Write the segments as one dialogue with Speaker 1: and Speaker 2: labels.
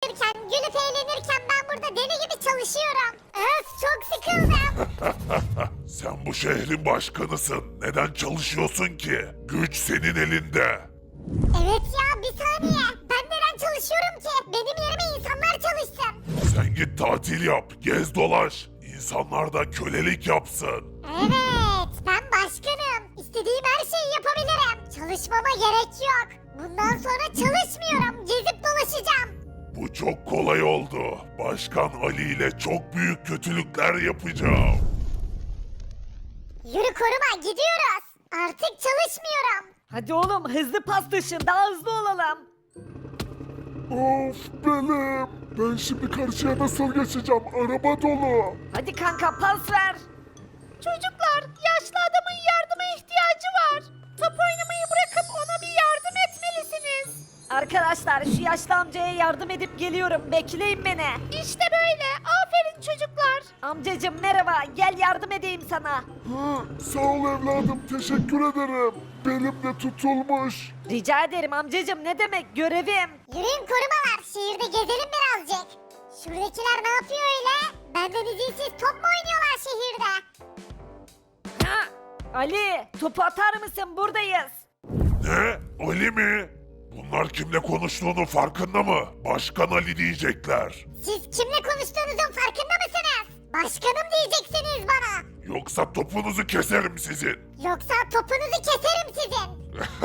Speaker 1: gülüp eğlenirken ben burada deli gibi çalışıyorum. Öf, çok sıkıldım.
Speaker 2: Sen bu şehrin başkanısın. Neden çalışıyorsun ki? Güç senin elinde.
Speaker 1: Evet ya, bir saniye. Ben neden çalışıyorum ki? Benim yerime insanlar çalışsın.
Speaker 2: Sen git tatil yap, gez dolaş. İnsanlar da kölelik yapsın.
Speaker 1: Evet, ben başkanım. İstediğim her şeyi yapabilirim. Çalışmama gerek yok. Bundan sonra çalışmıyorum. Gezip dolaşacağım.
Speaker 2: Bu çok kolay oldu. Başkan Ali ile çok büyük kötülükler yapacağım.
Speaker 1: Yürü koruma, gidiyoruz. Artık çalışmıyorum.
Speaker 3: Hadi oğlum hızlı paslaşın daha hızlı olalım.
Speaker 2: Of belim. Ben şimdi karşıya nasıl geçeceğim? Araba dolu.
Speaker 3: Hadi kanka pas ver.
Speaker 4: Çocuklar, yaşlı adamın yardıma ihtiyacı var. Top oynamayı bırakıp ona bir yardım etmelisiniz.
Speaker 3: Arkadaşlar şu yaşlı amcaya yardım edip geliyorum. Bekleyin beni.
Speaker 4: İşte böyle. Aferin çocuklar.
Speaker 3: Amcacım merhaba. Gel yardım edeyim sana.
Speaker 2: Sağ ol evladım. Teşekkür ederim. Belim de tutulmuş.
Speaker 3: Rica ederim amcacım ne demek görevim.
Speaker 1: Yürüyün korumalar, şehirde gezelim birazcık. Şuradakiler ne yapıyor öyle? Benden izinsiz top mu oynuyorlar şehirde?
Speaker 3: Ha, Ali topu atar mısın buradayız.
Speaker 2: Ne? Ali mi? Bunlar kimle konuştuğunun farkında mı? Başkan Ali diyecekler.
Speaker 1: Siz kimle konuştuğunuzun farkında mısınız? Başkanım diyeceksiniz bana.
Speaker 2: Yoksa topunuzu keserim sizin.
Speaker 1: Yoksa topunuzu keserim sizin.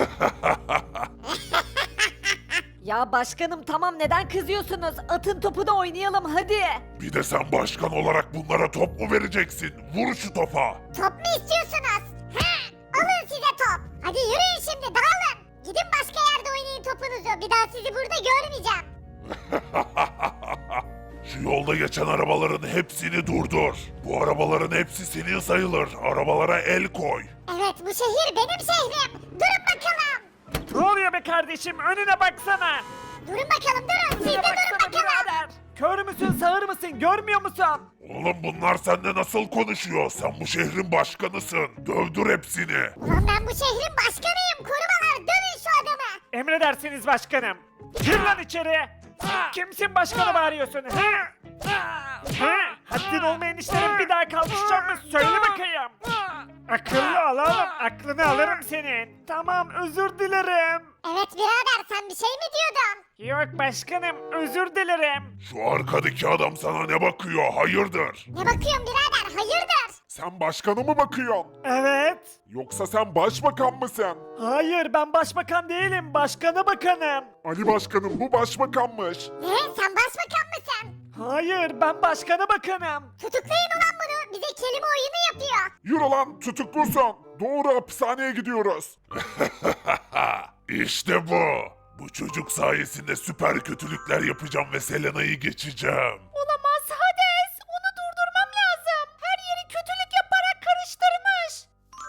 Speaker 3: Ya başkanım tamam neden kızıyorsunuz? Atın topu da oynayalım hadi.
Speaker 2: Bir de sen başkan olarak bunlara top mu vereceksin? Vur şu topa.
Speaker 1: Top mu istiyorsunuz? Ha, alın size top. Hadi yürüyün şimdi, dağılın. Gidin başka yerde oynayın topunuzu. Bir daha sizi burada görmeyeceğim.
Speaker 2: Şu yolda geçen arabaların hepsini durdur. Bu arabaların hepsi senin sayılır. Arabalara el koy.
Speaker 1: Evet, bu şehir benim şehrim. Durun bakalım.
Speaker 5: Ne oluyor be kardeşim? Önüne baksana.
Speaker 1: Durun bakalım, durun. Siz de
Speaker 5: Önüne
Speaker 1: durun
Speaker 5: baksana
Speaker 1: bakalım.
Speaker 5: birader. Kör müsün, sağır mısın? Görmüyor musun?
Speaker 2: Oğlum bunlar seninle nasıl konuşuyor? Sen bu şehrin başkanısın. Dövdür hepsini.
Speaker 1: Ulan ben bu şehrin başkanıyım. Korumalar, dövün şu adamı.
Speaker 5: Emredersiniz başkanım. Gir lan içeri. Sen kimsin başkanı bağırıyorsun? Ha? Ha? Haddin olmayan işlerin bir daha kalkışacak mı? Söyle bakayım. Akıllı ol oğlum. Aklını alırım senin. Tamam özür dilerim.
Speaker 1: Evet birader, sen bir şey mi diyordun?
Speaker 5: Yok başkanım özür dilerim.
Speaker 2: Şu arkadaki adam sana ne bakıyor? Hayırdır?
Speaker 1: Ne bakıyorsun birader, hayırdır?
Speaker 2: Sen başkanı mı bakıyorsun?
Speaker 5: Evet.
Speaker 2: Yoksa sen başbakan mısın?
Speaker 5: Hayır ben başbakan değilim. Başkanı bakanım.
Speaker 2: Ali başkanım bu başbakanmış.
Speaker 1: Ne, sen başbakan mısın?
Speaker 5: Hayır ben başkanı bakanım.
Speaker 1: Tutuklayın ulan bunu, bize kelime oyunu yapıyor.
Speaker 2: Yürü lan tutuklusun. Doğru hapishaneye gidiyoruz. İşte bu. Bu çocuk sayesinde süper kötülükler yapacağım ve Selena'yı geçeceğim.
Speaker 4: Olamaz Hades. Onu durdurmam lazım. Her yeri kötülük yaparak karıştırmış.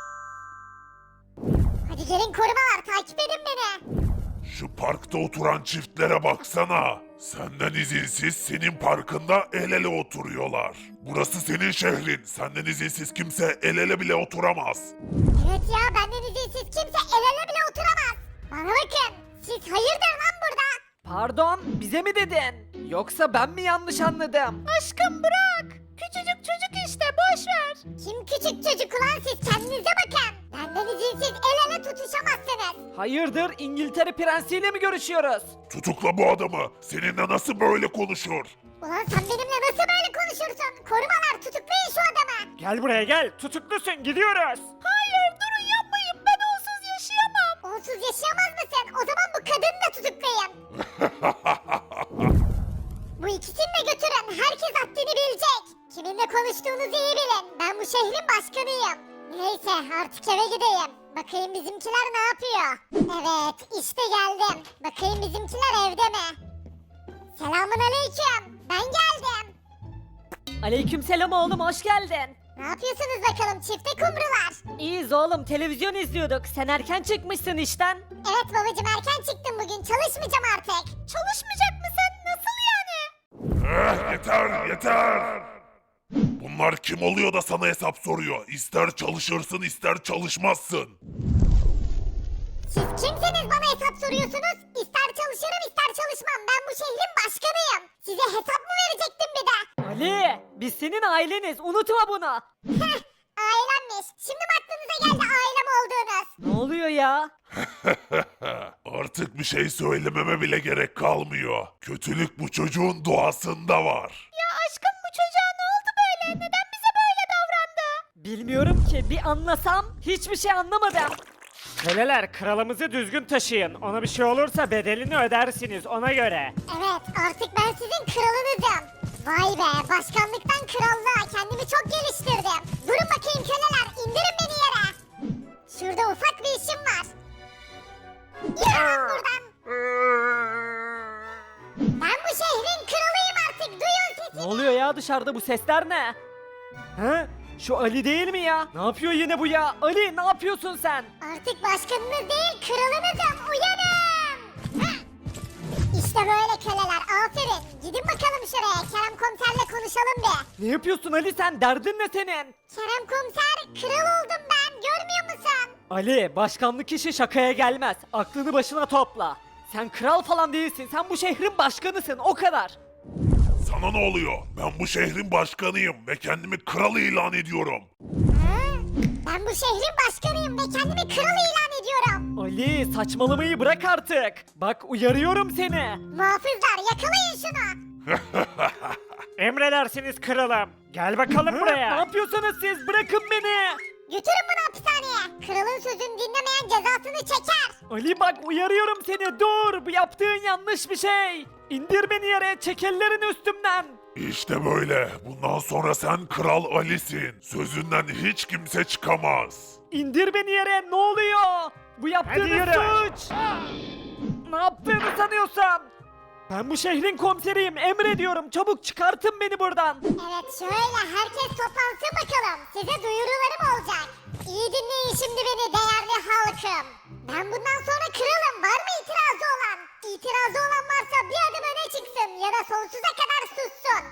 Speaker 1: Hadi gelin korumalar, takip edin beni.
Speaker 2: Şu parkta oturan çiftlere baksana. Senden izinsiz senin parkında el ele oturuyorlar. Burası senin şehrin. Senden izinsiz kimse el ele bile oturamaz.
Speaker 1: Evet ya, benden izinsiz kimse el ele bile oturamaz. Bana bakın, siz hayırdır lan burada?
Speaker 3: Pardon bize mi dedin? Yoksa ben mi yanlış anladım?
Speaker 4: Aşkım bırak. Küçücük çocuk işte, boş ver.
Speaker 1: Kim küçük çocuk ulan, siz kendinize bakın. Benden izinsiz el ele tutuşamazsınız.
Speaker 3: Hayırdır İngiltere prensiyle mi görüşüyoruz?
Speaker 2: Tutukla bu adamı. Seninle nasıl böyle konuşur?
Speaker 1: Ulan sen benimle nasıl böyle konuşursun? Korumalar, tutuklayın şu adamı.
Speaker 5: Gel buraya gel. Tutuklusun gidiyoruz.
Speaker 4: Hayır durun, yapmayın. Ben onsuz yaşayamam.
Speaker 1: Onsuz yaşayamaz mısın? O zaman bu kadını da tutuklayın. Bu ikisini de götürün. Herkes haddini bilecek. Kiminle konuştuğunuzu iyi bilin. Ben bu şehrin başkanıyım. Neyse artık eve gideyim. Bakayım bizimkiler ne yapıyor? Evet işte geldim. Bakayım bizimkiler evde mi? Selamun aleyküm. Ben geldim.
Speaker 3: Aleykümselam oğlum hoş geldin.
Speaker 1: Ne yapıyorsunuz bakalım çifte kumrular?
Speaker 3: İyiyiz oğlum televizyon izliyorduk. Sen erken çıkmışsın işten.
Speaker 1: Evet babacım, erken çıktım bugün. Çalışmayacağım artık.
Speaker 4: Çalışmayacak mısın? Nasıl yani?
Speaker 2: Yeter yeter. Bunlar kim oluyor da sana hesap soruyor? İster çalışırsın ister çalışmazsın.
Speaker 1: Siz kimsiniz bana hesap soruyorsunuz? İster çalışırım ister çalışmam. Ben bu şehrin başkanıyım. Size hesap mı verecektim bir de?
Speaker 3: Ali biz senin aileniz unutma bunu.
Speaker 1: Heh, ailemmiş. Şimdi mi aklınıza geldi ailem olduğunuz?
Speaker 3: Ne oluyor ya?
Speaker 2: Artık bir şey söylememe bile gerek kalmıyor. Kötülük bu çocuğun doğasında var.
Speaker 4: Ya aşkım bu çocuğa ne oldu böyle? Neden bize böyle davrandı?
Speaker 3: Bilmiyorum ki bir anlasam hiçbir şey anlamadım.
Speaker 5: Köleler kralımızı düzgün taşıyın. Ona bir şey olursa bedelini ödersiniz ona göre.
Speaker 1: Evet artık ben sizin kralınızım. Vay be başkanlıktan krallığa kendimi çok geliştirdim. Durun bakayım köleler indirin beni yere. Şurada ufak bir işim var. Yürü buradan. Ben bu şehrin kralıyım artık duyun
Speaker 3: Ne
Speaker 1: sesimi.
Speaker 3: oluyor ya dışarıda bu sesler ne? He? Şu Ali değil mi ya? Ne yapıyor yine bu ya? Ali ne yapıyorsun sen?
Speaker 1: Artık başkanınız değil kralınızım uyanın. Hah! İşte böyle köleler aferin. Gidin bakalım şuraya Kerem komiserle konuşalım bir.
Speaker 3: Ne yapıyorsun Ali sen? Derdin ne senin?
Speaker 1: Kerem komiser kral oldum ben görmüyor musun?
Speaker 3: Ali başkanlık işi şakaya gelmez. Aklını başına topla. Sen kral falan değilsin. Sen bu şehrin başkanısın o kadar.
Speaker 2: Sana ne oluyor? Ben bu şehrin başkanıyım ve kendimi kral ilan ediyorum.
Speaker 1: Ha? Ben bu şehrin başkanıyım ve kendimi kral ilan ediyorum.
Speaker 3: Ali saçmalamayı bırak artık. Bak uyarıyorum seni.
Speaker 1: Muhafızlar yakalayın şunu.
Speaker 5: Emredersiniz kralım. Gel bakalım
Speaker 3: Ne
Speaker 5: buraya.
Speaker 3: yapıyorsunuz siz? Bırakın beni.
Speaker 1: Götürün bunu hapishaneye. Kralın sözünü dinlemeyen cezasını çeker.
Speaker 3: Ali bak uyarıyorum seni. Dur bu yaptığın yanlış bir şey. İndir beni yere. Çek ellerini üstümden.
Speaker 2: İşte böyle. Bundan sonra sen Kral Ali'sin. Sözünden hiç kimse çıkamaz.
Speaker 3: İndir beni yere. Ne oluyor? Bu yaptığın
Speaker 5: Hadi yürü.
Speaker 3: suç. Ne yaptığını sanıyorsun? Ben bu şehrin komiseriyim. Emrediyorum. Çabuk çıkartın beni buradan.
Speaker 1: Evet şöyle herkes toplansın bakalım. Size duyurularım olacak. İyi dinleyin şimdi beni değerli halkım. Ben bundan sonra kralım. Var mı itirazı olan? İtirazı olan varsa bir adım öne çıksın ya da sonsuza kadar sussun.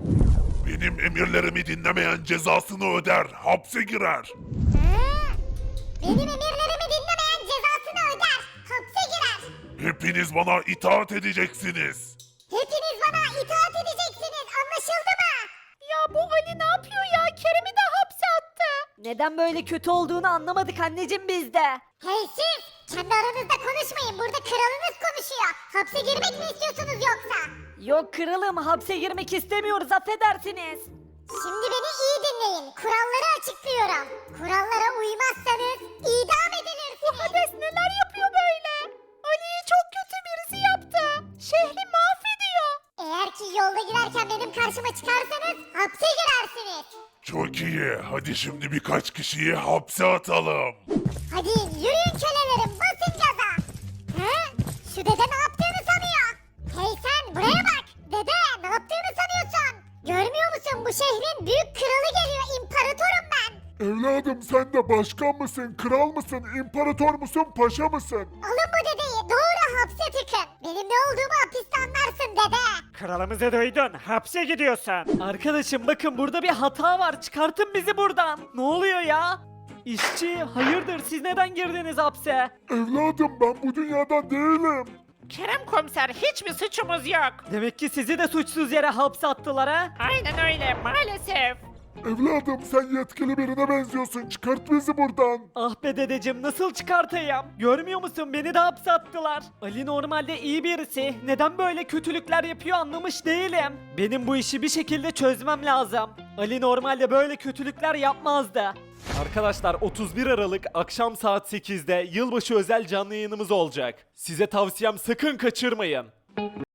Speaker 2: Benim emirlerimi dinlemeyen cezasını öder, hapse girer.
Speaker 1: Ha? Benim emirlerimi dinlemeyen cezasını öder. Hapse girer.
Speaker 2: Hepiniz bana itaat edeceksiniz.
Speaker 1: Hepiniz bana itaat edeceksiniz. Anlaşıldı mı?
Speaker 4: Ya bu Ali ne yapıyor ya? Kerem'i de hapse attı.
Speaker 3: Neden böyle kötü olduğunu anlamadık anneciğim biz de.
Speaker 1: Hey siz! Kendi aranızda konuşmayın. Burada kralınız konuşuyor. Hapse girmek mi istiyorsunuz yoksa?
Speaker 3: Yok kralım hapse girmek istemiyoruz affedersiniz.
Speaker 1: Şimdi beni iyi dinleyin. Kuralları açıklıyorum. Kurallara uymazsanız idam edilirsiniz.
Speaker 4: Bu Hades neler yapıyor böyle? Ali'yi çok kötü birisi yaptı. Şehri mahvediyor.
Speaker 1: Eğer ki yolda giderken benim karşıma çıkarsanız hapse girersiniz.
Speaker 2: Çok iyi. Hadi şimdi birkaç kişiyi hapse atalım.
Speaker 1: Hadi yürüyün kölelerim basın gaza. He? Şu dede ne yaptığını sanıyor. Hey sen buraya bak. Dede ne yaptığını sanıyorsun? Görmüyor musun bu şehrin büyük kralı geliyor imparatorum ben.
Speaker 2: Evladım sen de başkan mısın, kral mısın, imparator musun, paşa mısın?
Speaker 1: Alın bu dedeyi doğru hapse tıkın. Benim ne olduğumu hapiste anlarsın dede.
Speaker 5: Kralımızı duydun. Hapse gidiyorsun.
Speaker 3: Arkadaşım bakın burada bir hata var. Çıkartın bizi buradan. Ne oluyor ya? İşçi hayırdır siz neden girdiniz hapse?
Speaker 2: Evladım ben bu dünyadan değilim.
Speaker 5: Kerem komiser hiçbir suçumuz yok.
Speaker 3: Demek ki sizi de suçsuz yere hapse attılar ha?
Speaker 5: Aynen öyle maalesef.
Speaker 2: Evladım sen yetkili birine benziyorsun. Çıkart bizi buradan.
Speaker 3: Ah be dedeciğim nasıl çıkartayım? Görmüyor musun beni de hapse attılar. Ali normalde iyi birisi. Neden böyle kötülükler yapıyor anlamış değilim. Benim bu işi bir şekilde çözmem lazım. Ali normalde böyle kötülükler yapmazdı. Arkadaşlar 31 Aralık akşam saat 8'de yılbaşı özel canlı yayınımız olacak. Size tavsiyem sakın kaçırmayın.